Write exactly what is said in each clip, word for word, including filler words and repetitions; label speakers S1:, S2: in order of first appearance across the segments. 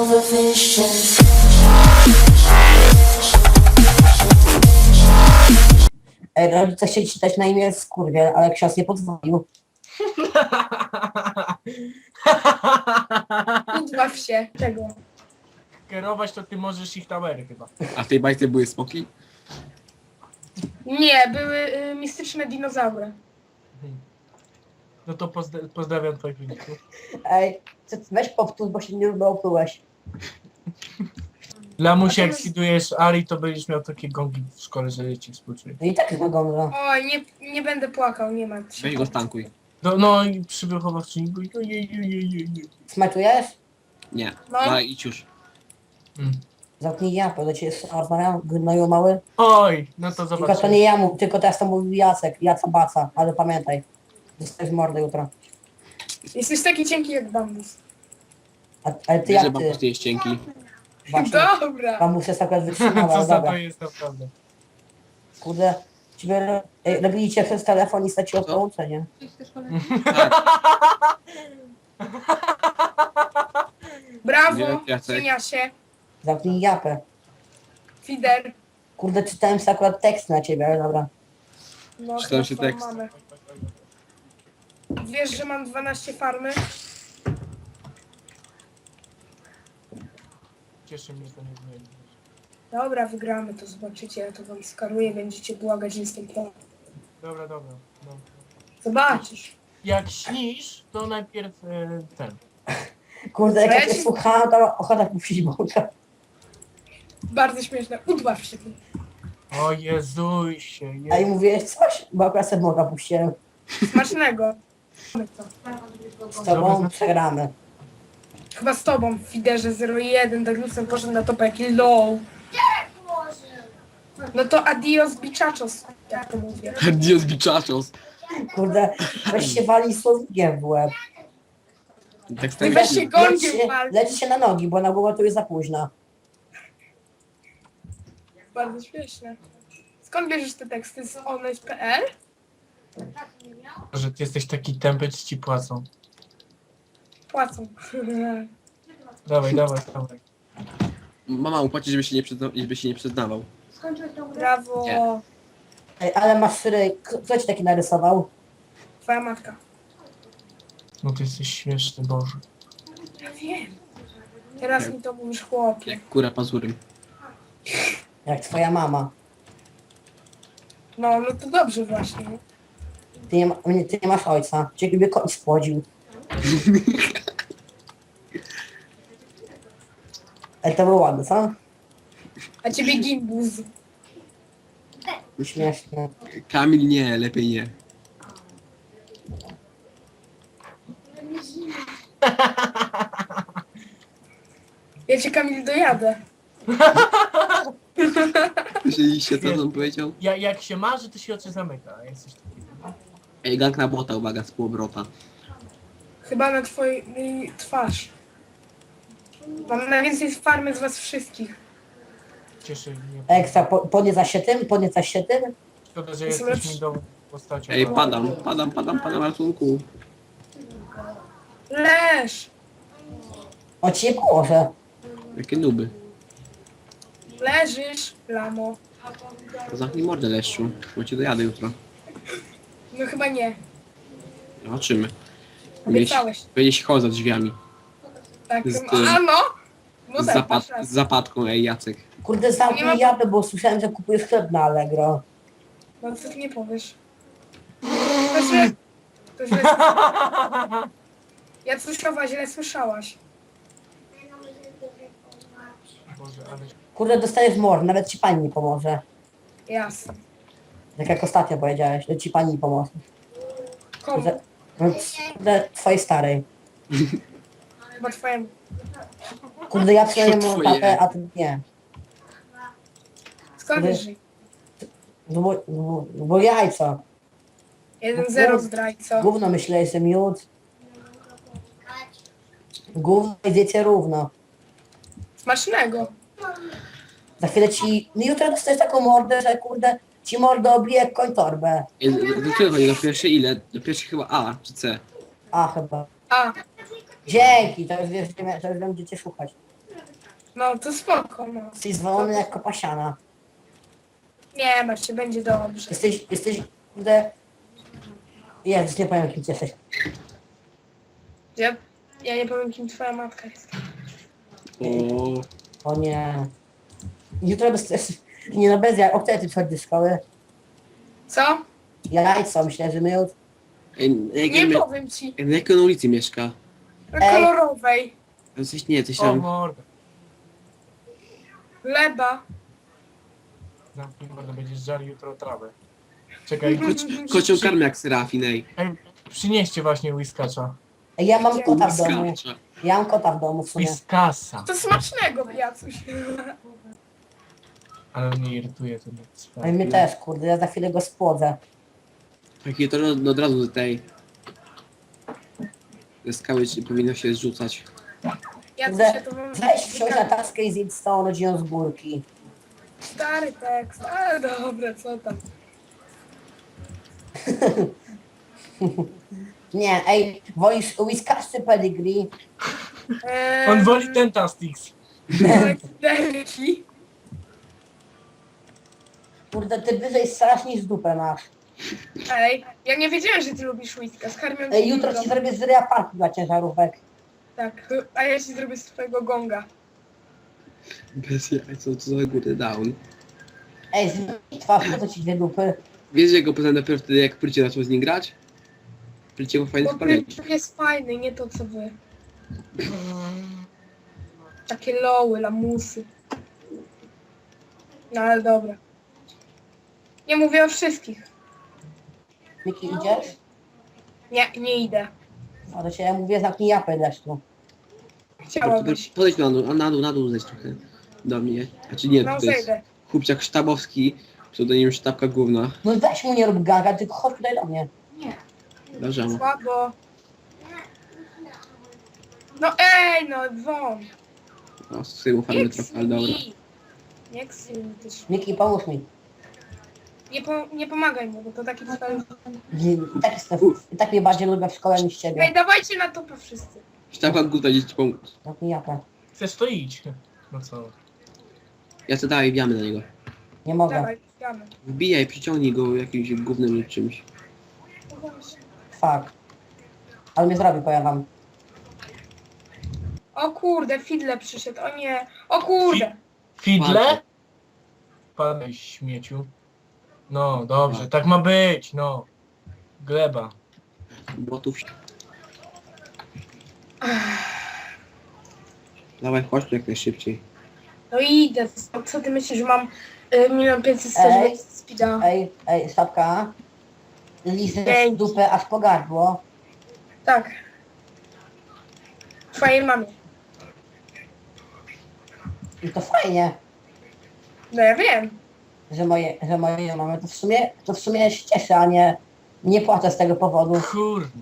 S1: the vision.
S2: Ej, rodzice chcieli czytać na imię Skurwiel, ale ksiądz nie pozwolił.
S3: Udław się tego.
S4: Kierować to ty możesz ich towery chyba.
S5: A w tej bajce były smoki?
S3: Nie, były y, mistyczne dinozaury.
S4: No to pozdra pozdrawiam twoich wyników.
S2: Ej, co- weź powtórz, bo się nie oplułeś.
S4: Lamusie, jak skidujesz Ari, to będziesz miał takie gongi w szkole, że cię współczuję.
S2: No i tak jest wygląda.
S3: Oj, nie, nie będę płakał, nie ma się.
S5: Weź go stankuj.
S4: No, no i przy wychowawczyni go ojej, ojej, ojej, ojej.
S2: Smaczujesz?
S5: Nie.
S3: No.
S5: No idź już.
S4: Mm.
S2: Zamknij japę, do ciebie rozmawiam, gnoju mały.
S4: Oj, no to
S2: Tylko to
S4: zobaczymy.
S2: nie ja mów, tylko teraz to mówił Jacek, Jaca Baca, ale pamiętaj. Dostajesz mordę jutro.
S3: Jesteś taki cienki jak bambus.
S2: A, ale ty
S5: Wiesz, że
S2: jak
S5: mam
S2: ty?
S5: po jest cienki.
S2: Właśnie,
S3: Dobra.
S2: bambus jest akurat wytrzymała,
S4: Co
S2: ale
S4: za
S2: dobra.
S4: to jest naprawdę.
S2: Kurde, ciebie ej, robili cię przez telefon i straciło
S5: Co?
S2: połączenie.
S5: Tak.
S3: Brawo,
S5: Nie, Jacek.
S3: cieniasie.
S2: Zamknij japę.
S3: Fider.
S2: Kurde, czytałem sobie akurat tekst na ciebie, ale dobra.
S3: No,
S5: Czytałem się
S3: chyba
S5: tekst.
S3: Mamy. Wiesz, że mam dwanaście farmy?
S4: Cieszy mnie, że to nie zmieni.
S3: Dobra, wygramy, to zobaczycie, ja to wam skaruję, będziecie błagać, że jestem pro.
S4: Dobra, dobra. No.
S3: Zobaczysz.
S4: Jak śnisz, to najpierw e, ten.
S2: Kurde, jak
S3: Co
S2: ja
S3: ja
S2: cię
S3: ci-
S2: słuchałam, to ochota puścić bułkę.
S3: Bardzo śmieszne. Udław się tu.
S4: O Jezusie,
S2: A i
S4: je...
S2: mówiłeś coś? Bo akurat sobie moga puściłem.
S3: Smacznego. Mamy to.
S2: Z tobą przegramy.
S3: Chyba z tobą, Fiderze zero jeden, Douglasem poszedł na topę jaki low. No to adios bichachos, jak to mówię.
S5: Dios bichachos.
S2: Kurde, weź się wali słownikiem w łeb.
S5: Tak
S3: I weź się
S2: Leć
S3: gąbie
S2: się,
S3: wal.
S2: leć się na nogi, bo na głowę tu jest za późno.
S3: Bardzo śmieszne. Skąd bierzesz te teksty? Z oneś kropka p l?
S4: Że ty jesteś taki tępy, czy ci płacą.
S3: Płacą.
S4: Dawaj, dawaj, dawaj.
S5: Mama upłaci, żeby się nie, przyzna żeby się nie przyznawał.
S3: Brawo.
S5: Nie.
S2: Ej, ale masz syry, kto ci taki narysował?
S3: Twoja matka.
S4: No ty jesteś śmieszny, Boże.
S3: Ja wiem. Teraz mi to mówisz, chłopie.
S5: Jak kura pazurem.
S2: Jak twoja mama.
S3: No, no to dobrze właśnie.
S2: Ty nie, ma, nie- ty nie masz ojca. Ciebie koń spłodził. Ej, to było ładne, co?
S3: A ciebie gimbuz.
S2: Śmieszne.
S5: Kamil nie, lepiej nie.
S3: Ja cię, Kamil, dojadę.
S5: Słyszeliście, co on powiedział?
S4: Ja, jak się marzy, to się oczy zamyka. a Jesteś taki...
S5: Ej, gang na bota, uwaga, z półobrota.
S3: Chyba na twojej twarz. Mam najwięcej farmy z was wszystkich.
S4: Cieszy mnie.
S2: Ekstra, po, podniecasz się tym? Podniecasz się tym?
S4: Szkoda, że
S3: Jestem
S4: jesteś
S3: lepszy.
S4: mi do postacią.
S5: Ej, padam, padam, padam, padam, ratunku.
S3: Leż!
S2: O ci nie pomoże.
S5: Jakie nuby.
S3: Leżysz, lamo.
S5: Zamknij mordę, leszczu, bo cię dojadę jutro.
S3: No chyba nie.
S5: Zobaczymy.
S3: Obiecałeś.
S5: Będziesz chodził za drzwiami.
S3: Tak.
S5: Z
S3: A
S5: tym-
S3: no! No
S5: Z,
S3: tak,
S5: zapad
S3: masz
S5: z
S3: rację.
S5: zapadką, ej, Jacek.
S2: Kurde,
S3: Nie ma-
S2: zamknij japę, bo słyszałem, że kupujesz chleb na Allegro.
S3: No co ty nie powiesz? To źle. To źle. Ja słyszałaś, źle słyszałaś.
S4: Boże, ale...
S2: Kurde, dostajesz mor, nawet ci pani nie pomoże.
S3: Jasne.
S2: Tak jak ostatnio powiedziałeś, że ci pani nie pomoże.
S3: Komu?
S2: Że, no, kurde, twojej starej.
S3: Chyba twojemu.
S2: Kurde, ja przynajmniej mam
S5: Twoje.
S2: tatę, a ty nie.
S3: Skąd
S2: Wy-
S3: wiesz?
S2: No bo, no, bo jajco.
S3: jeden zero zdrajco.
S2: Gówno myślałeś, że miód. Gówno i wiecie równo.
S3: Smacznego.
S2: Za chwilę ci... No jutro dostajesz taką mordę, że kurde, ci mordę obije jak koń torbę.
S5: Ej, do, do którego chodzi? Do pierwszej ile? Do pierwszej chyba A czy C?
S2: A chyba.
S3: A,
S2: Dzięki, to już wiesz, gdzie mia- to już wiem, gdzie cię szukać.
S3: No to spoko, no.
S2: Jesteś zwolony jak kopasiana.
S3: Nie masz się, będzie dobrze.
S2: Jesteś, jesteś, kurde... Jezus, nie powiem kim ty jesteś.
S3: Ja, ja nie powiem, kim twoja matka jest.
S5: O,
S2: O nie. Jutro bez... Nie no, bez jaj. O której ty przychodzi do szkoły?
S3: Co?
S2: Jajco, myślę, że my już...
S5: ej, na jakiej,
S3: Nie
S5: mie-
S3: powiem ci.
S5: na jakiej on ulicy mieszka?
S3: Na
S2: Ej.
S3: kolorowej.
S5: A Coś nie, coś
S4: O
S5: tam.
S4: mordę.
S3: Gleba.
S4: Zamknij mordę, będziesz żarł jutro trawę. Czekaj,
S5: Koci- Kocią karmę jak Serafin, ej.
S4: ej, przynieście właśnie whiskacza.
S2: Ej, ja mam kota w domu.
S5: Błyskawcza.
S2: Ja mam kota w domu w sumie.
S4: Whiskasa.
S3: To smacznego, Jacuś.
S4: Ale mnie irytuje ten
S2: Ej, mnie też, kurde, ja za chwilę go spłodzę.
S5: Takie to od, od razu z tej... Ze skały czy powinno się zrzucać.
S3: Jacuś,
S2: Kurde,
S3: ja to mam...
S2: weź wsiąść na taskę i zjedz z całą rodziną z górki.
S3: Stary tekst, ale dobra, co tam.
S2: Nie, ej, wolisz whiskas czy pedigree?
S3: Eee,
S4: On woli Tentastix.
S3: Derki.
S2: Kurde, ty wyżej strzelasz niż dupę masz.
S3: Ej, ja nie wiedziałem, że ty lubisz whiskas. Karmią
S2: Ej, jutro ci zrobię z ryja parki dla ciężarówek.
S3: Tak, a ja ci zrobię z twojego gonga.
S5: Bez jaj, co to za góry down.
S2: Ej, zmień twarz, po co ci dwie dupy?
S5: Wiesz, że go poznałem dopiero wtedy, jak Prycie zaczął z nim grać? Prycie ma fajne
S3: Bo
S5: spalenie.
S3: Pryczuk jest fajny, nie to co wy. Takie loły, lamusy. No ale dobra. Nie mówię o wszystkich.
S2: Miki, idziesz?
S3: Nie, nie idę.
S2: A do ciebie mówię, zamknij japę deszczu.
S3: Chciałabyś.
S5: Podejdź na dół, a na dół, na dół zejdź trochę. Do mnie. Znaczy nie,
S3: No
S5: to jest
S3: zejdę.
S5: chłopciak sztabowski, pseudonim Sztabka Główna.
S2: No weź mu nie rób gaga, tylko chodź tutaj do mnie.
S5: Dobrze.
S3: Słabo. No ej, no won.
S5: No, z tyłu farmy
S3: Nie
S5: trochę, ale dobra.
S3: ksuj. Nie ksuj mi też.
S2: Miki, pomóż mi.
S3: Nie, po, nie pomagaj mu, bo to taki cel.
S2: I tak, jestem, I tak mnie bardziej lubię w szkole niż ciebie.
S3: Ej, dawajcie na topę wszyscy.
S5: Sztabka Główna dzieci pomóc.
S2: Zamknij japę.
S4: Chcesz to idź. No co?
S5: Ja co dalej, wbijamy na niego.
S2: Nie mogę.
S3: Dawaj, wbijamy.
S5: Wbijaj, przyciągnij go jakimś gównem lub czymś.
S3: No właśnie.
S2: Fuck. Ale mnie zrobi, powiem wam.
S3: O kurde, Fidle przyszedł, o nie. O kurde.
S4: Fidle? Padaj śmieciu. No, dobrze, tak ma być, no. Gleba.
S5: Botów. Dawaj, chodź tu jak najszybciej.
S3: No idę. Co ty myślisz, że mam y, milion pięćset
S2: Ej.
S3: speeda?
S2: Ej, ej, sztabka. Lizę
S3: Dzięki.
S2: dupę aż po gardło.
S3: Tak. Twojej mamie.
S2: I to fajnie,
S3: No ja wiem.
S2: że moje, że moje mamy. To w sumie, to w sumie się cieszę, a nie, nie płaczę z tego powodu.
S4: Kurna.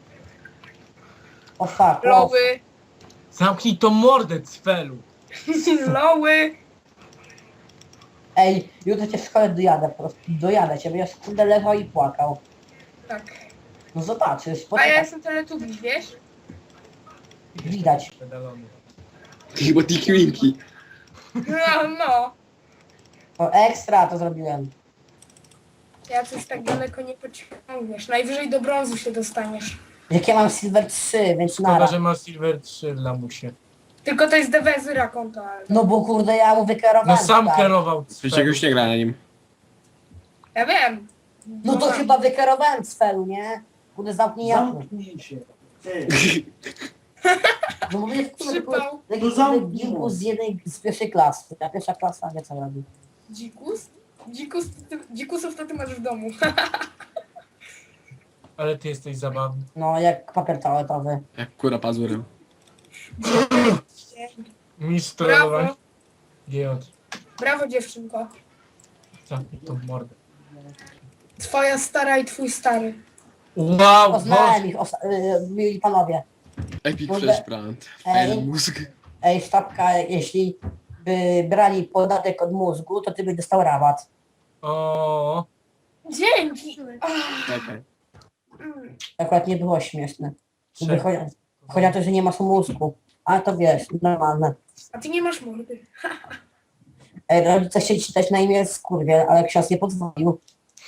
S2: O fuck. O,
S3: Loły.
S4: Zamknij to mordę, cfelu.
S3: Loły.
S2: ej, jutro cię w szkole dojadę, po prostu dojadę cię, będziesz kurde leżał i płakał.
S3: Tak.
S2: No zobaczysz,
S3: A ja
S2: poczekaj,
S3: jestem teletubiś, wiesz?
S2: widać.
S4: Pedalony.
S5: Chyba Tiki Winki.
S3: No, no.
S2: O, ekstra to zrobiłem.
S3: Ja coś tak daleko nie pociągniesz. Najwyżej do brązu się dostaniesz.
S2: Jak ja mam Silver trzy, więc
S4: Szkoda,
S2: nara.
S4: że ma Silver trzy w lamusie.
S3: Tylko to jest dewezyra konto, ale...
S2: No bo kurde, ja mu wykierowałem.
S4: No sam
S2: tak.
S4: kierował
S5: Przecież
S4: cfelu.
S5: już nie gra na nim.
S3: Ja wiem.
S2: No to
S3: tak.
S2: chyba wykierowałem cfelu, nie? Kurde, zamknij japę.
S1: Zamknij się. Ty.
S2: No mówię, kurde,
S3: Przypał.
S2: kurde, taki
S1: No
S2: kurde
S1: zamknij
S2: gimbus
S1: go.
S2: z jednej, z pierwszej klasy. A pierwsza klasa wie co robi.
S3: Dzikus? Dzikus to ty, dzikusów to ty masz w domu.
S4: Ale ty jesteś zabawny.
S2: No, jak papier toaletowy.
S5: Jak kura pazurem.
S4: Mistrz trollowań.
S3: Brawo.
S4: Giot.
S3: Brawo dziewczynko.
S4: Zamknij tą mordę.
S3: Twoja stara i twój stary.
S4: Wow,
S2: Poznałem
S4: Boże.
S2: ich, osta- y, mili panowie.
S5: Epic
S2: Kurde.
S5: Flash Brand.
S2: Ej.
S5: Fajny mózg.
S2: Ej, sztabka, jeśli by brali podatek od mózgu, to ty byś dostał rabat.
S4: O,
S3: Dzięki. Ach,
S5: Czekaj.
S3: mm.
S2: Akurat nie było śmieszne.
S4: Czekaj.
S2: Chodzi, chodzi o to, że nie masz mózgu. Ale to wiesz, normalne.
S3: A ty nie masz mordy.
S2: Ej, rodzice chcieli ci dać na imię Skurwiel, ale ksiądz nie pozwolił.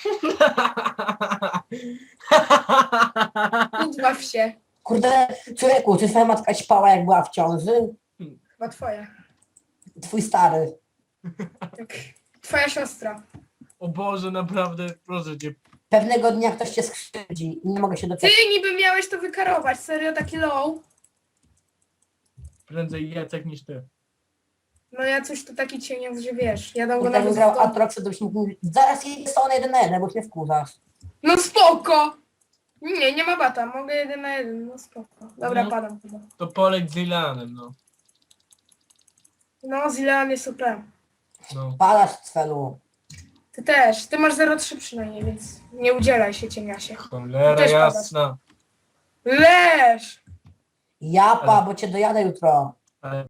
S3: Udław się.
S2: Kurde, córku, czy twoja matka ćpała jak była w ciąży?
S3: Chyba twoja.
S2: Twój stary.
S3: Tak. Twoja siostra.
S4: O Boże, naprawdę, proszę cię.
S2: Pewnego dnia ktoś cię skrzywdzi i nie mogę się
S3: Ty
S2: doczekać.
S3: niby miałeś to wykarować. Serio, taki low?
S4: Prędzej Jacek niż ty.
S3: No ja coś tu taki cieniąc, że wiesz. Ja dam go
S2: Kurde,
S3: nawet
S2: grał
S3: w domu.
S2: Atrox, to byś mógł... Zaraz jedzie stronę jeden na jeden, bo cię wkurzasz.
S3: No spoko! Nie, nie ma bata. Mogę jeden na jeden. No spoko. Dobra,
S4: No.
S3: padam chyba.
S4: To Polek z Ilanem, no.
S3: No, Zilean jest super.
S4: no.
S2: Palasz celu.
S3: Ty też. Ty masz zero trzy przynajmniej, więc nie udzielaj się cieniasie.
S4: Cholera
S3: Też padasz.
S4: jasna.
S3: Leż!
S2: Japa, bo cię dojadę jutro.
S4: Ale